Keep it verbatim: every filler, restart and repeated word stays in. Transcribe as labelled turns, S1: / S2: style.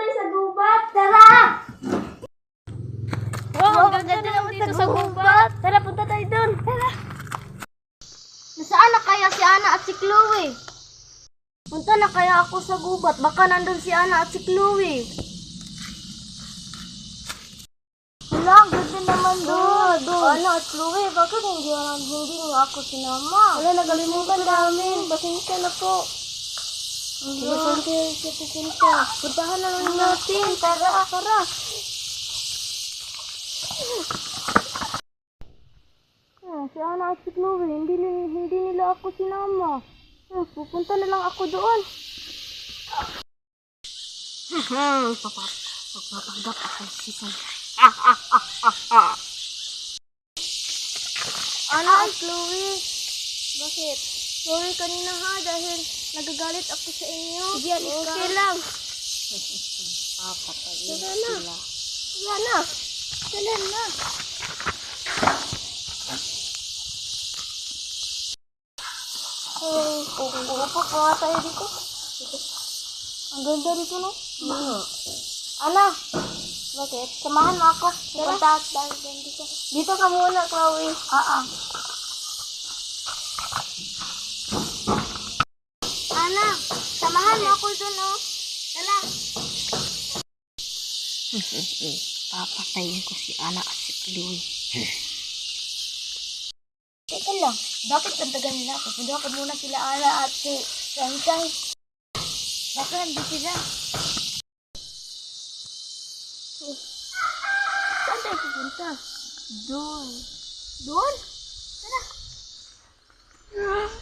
S1: tayo sa gubat. Tara!
S2: Wow, ang ganda naman dito sa gubat.
S1: Tara, punta tayo dun. Tara.
S2: Nasaan na kaya si Ana at si Chloe?
S1: Punta na kaya ako sa gubat. Baka nandun si Ana at si Chloe. Wala, ang ganda naman doon. Doon. Ana at Chloe, bakit hindi, hindi nga ako sinama? Wala, nagalimutan namin. Pasensya na po. Pasensya, pasensya. Puntahan na lang natin. Tara, tara. Ah, si Ana at si Chloe, hindi, hindi nila ako sinama. Ah, pupunta na lang ako doon. Hmm, papa, magpapanggap ako si San. Ah, ah, ah, ah, ah. Ana at Chloe, bakit? Sorry kanina ha, dahil nagagalit ako sa inyo. Sige, okay lang. Papatayin sila. Wala na. Sila na. Oh, uupo pa nga tayo dito. Ang ganda dito, no? Mm. Ana, bakit? Samahan mo ako. Punta at dahil dito. Dito ka muna, Chloe. Ah, ah. Ana, samahan mo ako dun, no? Tala. Papatayin ko si Ana at si Chloe. Teka lang, bakit ang tagal nila? Pupunta ko muna sila Ana at si Sunshine. Bakit nandito sila? Oh. Saan tayo pupunta? Doon. Doon? Tara.